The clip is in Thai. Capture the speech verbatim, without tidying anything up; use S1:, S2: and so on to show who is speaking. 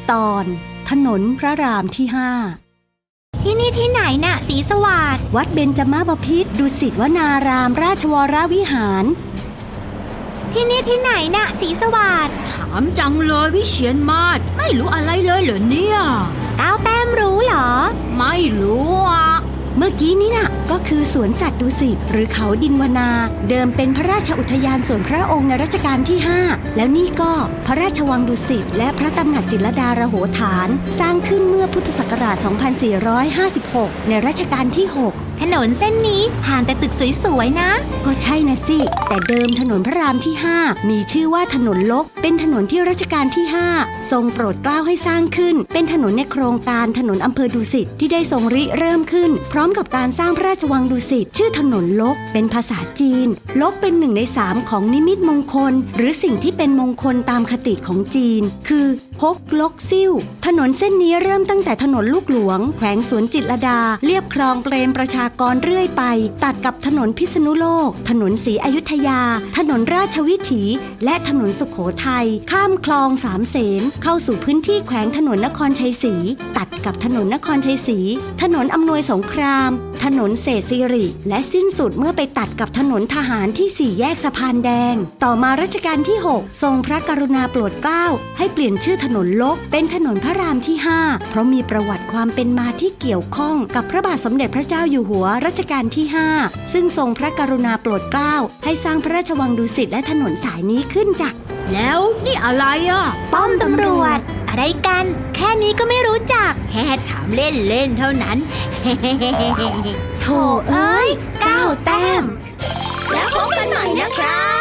S1: ตอนถนนพระรามที่ห้า
S2: ที่นี่ที่ไหนน่ะศรีสวัสดิ์
S1: วัดเบญจมาบพิตรดุสิตวนารามราชวรวิหาร
S2: ที่นี่ที่ไหนน่ะศรีสวัสดิ์
S3: ถามจังเลยวิเชียรมาศไม่รู้อะไรเลยเหรอเนี่ย
S2: ก้าวแต้มรู้เหรอ
S3: ไม่รู้อ่ะ
S1: เมื่อกี้นี้น่ะก็คือสวนสัตว์ดุสิตหรือเขาดินวนาเดิมเป็นพระราชอุทยานส่วนพระองค์ในรัชกาลที่ห้าแล้วนี่ก็พระราชวังดุสิตและพระตำหนักจิตรลดาระโหฐานสร้างขึ้นเมื่อพุทธศักราช สองพันสี่ร้อยห้าสิบหก ในรัชกาลที่หก
S2: ถนนเส้นนี้ผ่านแต่ตึกสวยๆนะ
S1: ก็ใช่นะสิแต่เดิมถนนพระรามที่ห้ามีชื่อว่าถนนลกเป็นถนนที่รัชกาลที่ห้าทรงโปรดเกล้าให้สร้างขึ้นเป็นถนนในโครงการถนนอำเภอดุสิตที่ได้ทรงริเริ่มขึ้นพร้อมกับการสร้างพระราชวังดุสิตชื่อถนนลกเป็นภาษาจีนลกเป็นหนึ่งในสามของนิมิตมงคลหรือสิ่งที่เป็นมงคลตามคติของจีนคือฮกลกซิ่วถนนเส้นนี้เริ่มตั้งแต่ถนนลูกหลวงแขวงสวนจิตรลดาเลียบคลองเปรมประชากรเรื่อยไปตัดกับถนนพิษณุโลกถนนศรีอยุธยาถนนราชวิถีและถนนสุโขทัยข้ามคลองสามเสนเข้าสู่พื้นที่แขวงถนนนครชัยศรีตัดกับถนนนครชัยศรีถนนอำนวยสงครามถนนเศรษฐศิริและสิ้นสุดเมื่อไปตัดกับถนนทหารที่สี่แยกสะพานแดงต่อมารัชกาลที่หกทรงพระกรุณาโปรดเกล้าให้เปลี่ยนชื่อถนนลกเป็นถนนพระรามที่ห้าเพราะมีประวัติความเป็นมาที่เกี่ยวข้องกับพระบาทสมเด็จพระเจ้าอยู่หัวรัชกาลที่ห้าซึ่งทรงพระกรุณาโปรดเกล้าให้สร้างพระราชวังดุสิตและถนนสายนี้ขึ้นจ้ะ
S3: แล้วนี่อะไรอ่ะ
S2: ป้อมตำรวจอะไรกันแค่นี้ก็ไม่รู้จักแค่ถามเล่นเล่นเท่านั้น
S1: โธ่เอ้ยก้าวแต้ม
S2: แล้วพบกันหน่อยนะครับ